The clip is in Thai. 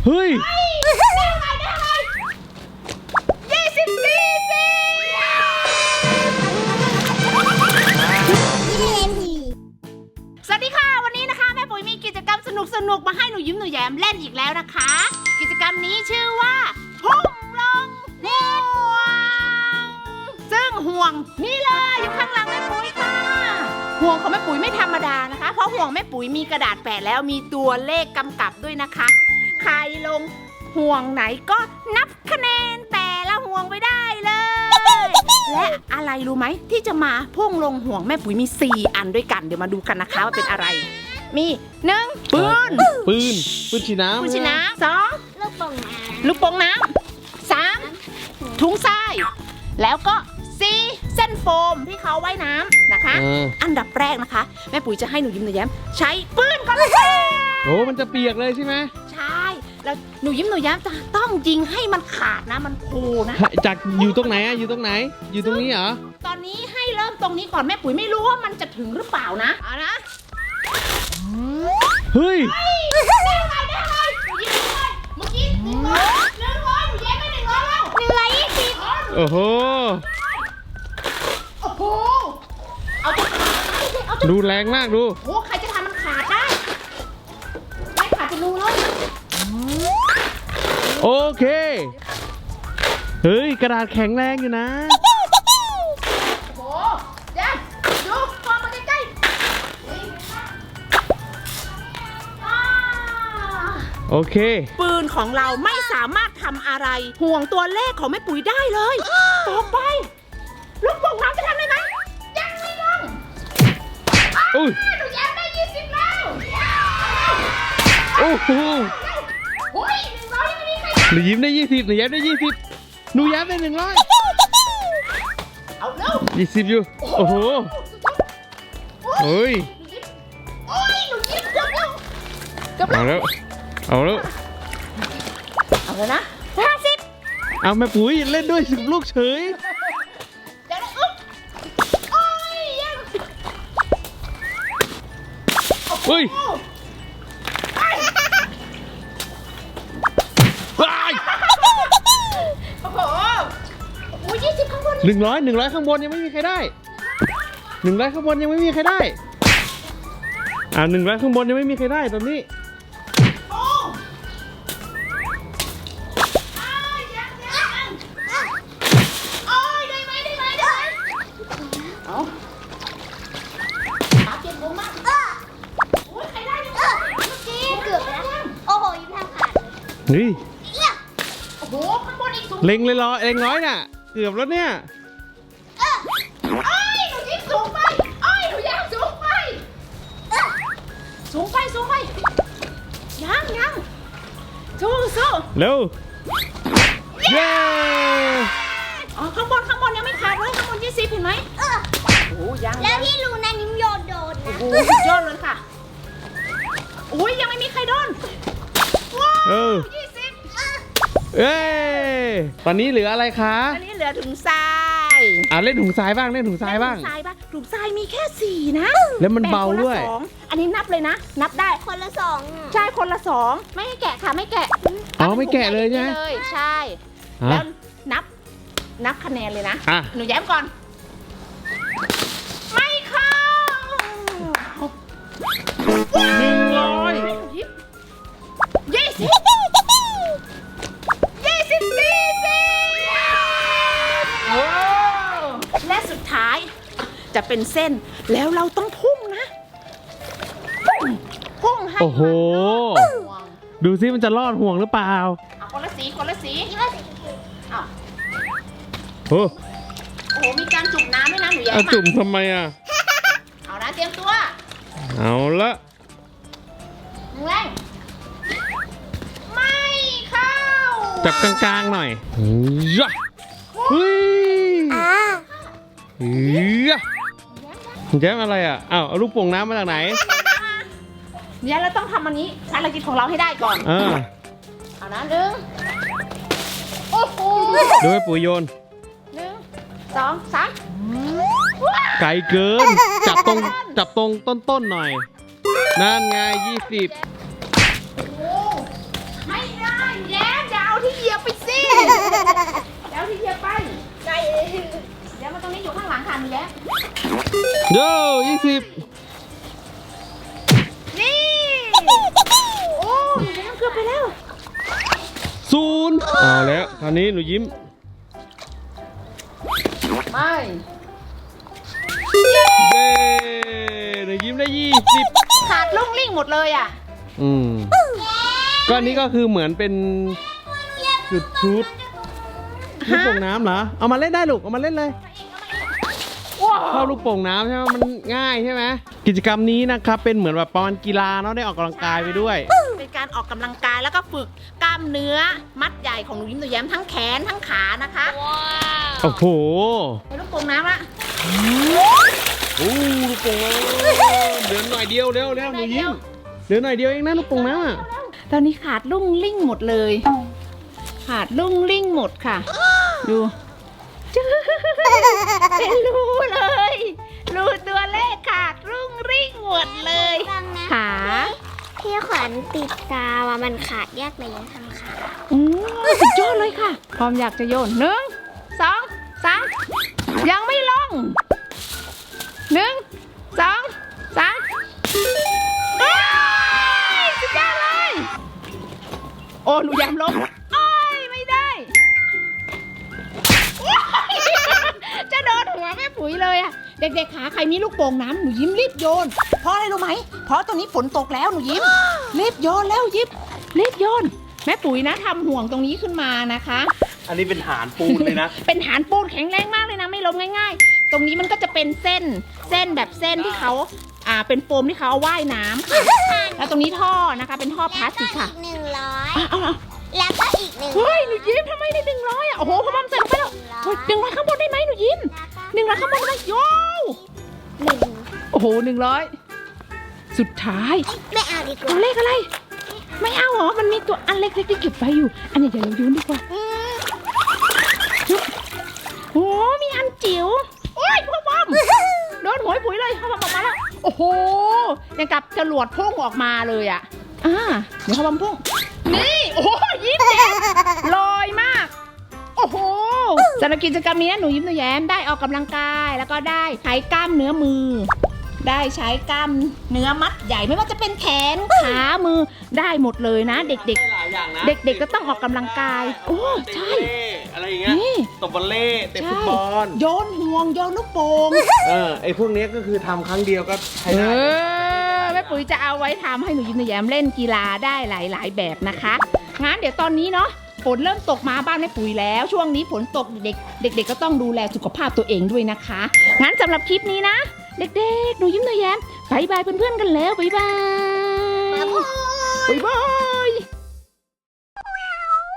เฮ้ยสวัสดีค่ะวันนี้นะคะแม่ปุ๋ยมีกิจกรรมสนุกมาให้หนูยิ้มหนูแย้มเล่นอีกแล้วนะคะ กิจกรรมนี้ชื่อว่าพุ่งลงห่วงซึ่งห่วงนี่เลยอยู่ข้างหลังแม่ปุ๋ยค่ะห่วงของแม่ปุ๋ยไม่ธรรมดานะคะเพราะห่วงแม่ปุ๋ยมีกระดาษแปะแล้วมีตัวเลขกำกับด้วยนะคะใครลงห่วงไหนก็นับคะแนนแต่ละห่วงไปได้เลยและอะไรรู้ไหมที่จะมาพุ่งลงห่วงแม่ปุ๋ยมี4อันด้วยกันเดี๋ยวมาดูกันนะคะว่าเป็นอะไรมี1ปืนฉีดน้ำปืนฉีดน้ำ2ลูกโป่งน้ำ3ถุงทรายแล้วก็4เส้นโฟมที่เขาว่ายน้ำนะคะอันดับแรกนะคะแม่ปุ๋ยจะให้หนูยิ้มหนูแย้มใช้ปืนก่อนเลยค่ะโอ้มันจะเปียกเลยใช่ไหมใช่แล้วหนูยิ้มหนูแย้มจะต้องยิงให้มันขาดนะมันโผล่นะจากอยู่ตรงไหนอะอยู่ตรงไหนอยู่ตรงนี้เหรอตอนนี้ให้เริ่มตรงนี้ก่อนแม่ปุ๋ยไม่รู้ว่ามันจะถึงหรือเปล่านะเอานะเฮ้ยได้ไงหนูยิ้มเลยเมื่อกี้100หนูแย้มไม่100แล้ว120 โอ้โหเอาดูแรงมากดูโอ้ใครจะทำมันขาดได้ไม่ขาดจะรู้แล้วโอเคเฮ้ยกระดาษแข็งแรงอยู่นะโอ้เดี๋ยวดูมองมาใกล้โอเคปืนของเราไม่สามารถทำอะไรห่วงตัวเลขของแม่ปุ๋ยได้เลยต่อไปลูกโป่งน้ำจะทำได้ไหมยังไม่ลงหนูแย้มได้20แล้วโอ้โหโอ้ย100ยังไม่มีใครหนูยิ้มได้20หนูแย้มได้20หนูแย้มได้100 เอาเร็ว 20อยู่โอ้โหเฮ้ยโอ้ยหนูยิ้มเกือบแล้วเอาแล้วเอาแล้วนะ50 เอาแม่ปุ๋ยเล่นด้วย10ลูกเฉยเดี๋ยวนะโอ้ยยังเฮ้ยโอ้โหโอ้ย20ข้างบน 100ข้างบนยังไม่มีใครได้100ข้างบนยังไม่มีใครได้100ข้างบนยังไม่มีใครได้ตอนนี้เฮ้ยโอ้โหข้างบนอีกสูงเล็งเลยเล็งน้อยน่ะเกือบแล้วเนี่ยหนูยิ้มสูงไปหนูแย้มสูงไปสูงไปยังสู้เร็วเย้ข้างบนยังไม่ขาดเลยข้างบน20เห็นไหมโอ้ยังแล้วที่รูนั้นนิ้มโยนโดนนะโอ้สุดยอดเลยค่ะอุ้ยยังไม่มีใครโดนว้าว20 เอ้ตอนนี้เหลืออะไรคะตอนนี้เหลือถุงทรายเล่นถุงทรายบ้างถุงทรายถุงทรายมีแค่4นะแล้วมันเบาด้วยอันนี้นับเลยนะนับได้คนละ2ใช่คนละ2ไม่ให้แกะค่ะไม่แกะไม่แกะเลยใช่ไหมใช่แล้วนับคะแนนเลยนะหนูแย้มก่อนไม่เข้า 100 และสุดท้ายจะเป็นเส้นแล้วเราต้องพุ่งนะพุ่งให้โอ้โหดูซิมันจะรอดห่วงหรือเปล่าคนละสีโอ้โหมีการจุ่มน้ำด้วยนะหนูแย้มจุ่มทำไมเอานะเตรียมตัวเอาละแรงไม่เข้าจับกลางๆหน่อยยะเฮ้ยแย้มอะไรเอาลูกโป่งน้ำมาจากไหนเนี่ยเราต้องทำอันนี้ภารกิจของเราให้ได้ก่อนเอานะ1โอ้โหดูให้ปุ๋ยโยน 1 2 3 ไกลเกินจับตรงต้นหน่อยนั่นไง20 ไม่ได้ที่เหยียบไปสิเดี๋ยวที่เหยียบไปใจเดี๋ยวมาตรงนี้อยู่ข้างหลังค่ะหนูแย้มโย่20 นี่โอ้หนูแย้มเกือบไปแล้ว 0เอาแล้วคราวนี้หนูยิ้มไม่เย้หนูยิ้มได้20 ขาดลุ่งลิ่งหมดเลยอ่ะก็อันนี้ก็คือเหมือนเป็นจุดชุดลูกโป่งน้ำเหรอ เอามาเล่นได้ลูก เอามาเล่นเลยว้าวชอบลูกโป่งน้ำใช่ไหมมันง่ายใช่ไหมกิจกรรมนี้นะครับเป็นเหมือนแบบประมาณกีฬาเนาะได้ออกกำลังกายไปด้วยเป็นการออกกำลังกายแล้วก็ฝึกกล้ามเนื้อมัดใหญ่ของหนูยิ้มหนูแย้มทั้งแขนทั้งขานะคะโอ้โหไปลูกโป่งน้ำละโอ้ลูกโป่งน้ำเหลือหน่อยเดียวเร็วหนูยิ้มเหลือหน่อยเดียวเองนะลูกโป่งน้ำอะตอนนี้ขาดลุ่งลิ่งหมดเลย ขาดลุ่งลิ่งหมดค่ะ ดูเป็นรูเลยรูตัวเลขขาดรุ่งริ่งหมดเลยฟังนะขาพี่ขวัญติดกาวอะมันขาดยากเลยยังทำขาสุดยอดเลยค่ะ พร้อมอยากจะโยน1 2 3ยังไม่ลง1 2 3เอ้ยสุดยอดเลย โอ้หนูยำลงโอ้ยไม่ได้ จะโดนหัวแม่ปุ๋ยเลยอะเด็กๆขาใครมีลูกโป่งน้ำหนูยิ้มรีบโยนเพราะอะไรรู้ไหมเพราะตรงนี้ฝนตกแล้วหนูยิ้มรีบโยนแล้วยิ้มรีบโยนแม่ปุ๋ยนะทำห่วงตรงนี้ขึ้นมานะคะอันนี้เป็นฐานปูนเลยนะเป็นฐานปูนแข็งแรงมากเลยนะไม่ล้มง่ายๆ ตรงนี้มันก็จะเป็นเส้นแบบเส้นที่เขาเป็นโฟมที่เขาเอาว่ายน้ำค่ะแล้วตรงนี้ท่อนะคะเป็นท่อพลาสติกค่ะแล้วก็อีก100 แล้วก็อีก100 เฮ้ยหนูยิ้มทำไมได้100อ่ะโอ้โหพ่อบอมใส่ลงไปแล้วเฮ้ย100ข้างบนได้ไหมหนูยิ้ม100ข้างบนได้ไหมโย่ โอ้โห100สุดท้ายไม่เอาดีกตัว่าวเลขอะไร ไม่เอาเหรอมันมีตัวอันเล็กๆที่เก็บไว้อยู่ อันใหญ่ๆเราโยนดีกว่าโอ้มีอันจิ๋วโอ้ยพ่อบอมโดนหัวปุ๋ยเลยพ่อบอมออกมาแล้วโอ้โหยังกับจรวดพุ่งออกมาเลยอ่ะเดี๋ยวพ่อบอมพุ่งนี่โอ้โหยิ้มแย้มลอยมากโอ้โหสำหรับกิจกรรมนี้หนูยิ้มหนูแย้มได้ออกกำลังกายแล้วก็ได้ใช้กล้ามเนื้อมือ ได้ใช้กล้ามเนื้อมัดใหญ่ไม่ว่าจะเป็นแขนขามือได้หมดเลยนะ เด็กหลายอย่างนะๆ เด็กๆก็ต้องออกกำลังกายโอ้ใช่อะไรอย่างเงี้ยนี่ตบวอลเล่เตะฟุตบอลโยนห่วงโยนลูกโป่งไอ้พวกนี้ก็คือทำครั้งเดียวก็ใช้ได้แม่ปุ๋ยจะเอาไว้ทำให้หนูยิ้มหนูแย้มเล่นกีฬาได้หลายๆแบบนะคะงั้นเดี๋ยวตอนนี้เนาะฝนเริ่มตกมาบ้านแม่ปุ๋ยแล้วช่วงนี้ฝนตกเด็กๆก็ต้องดูแลสุขภาพตัวเองด้วยนะคะงั้นสำหรับคลิปนี้นะเด็กๆหนูยิ้มหนูแย้มบายบายเพื่อนๆกันแล้วบายบาย บ๊ายบาย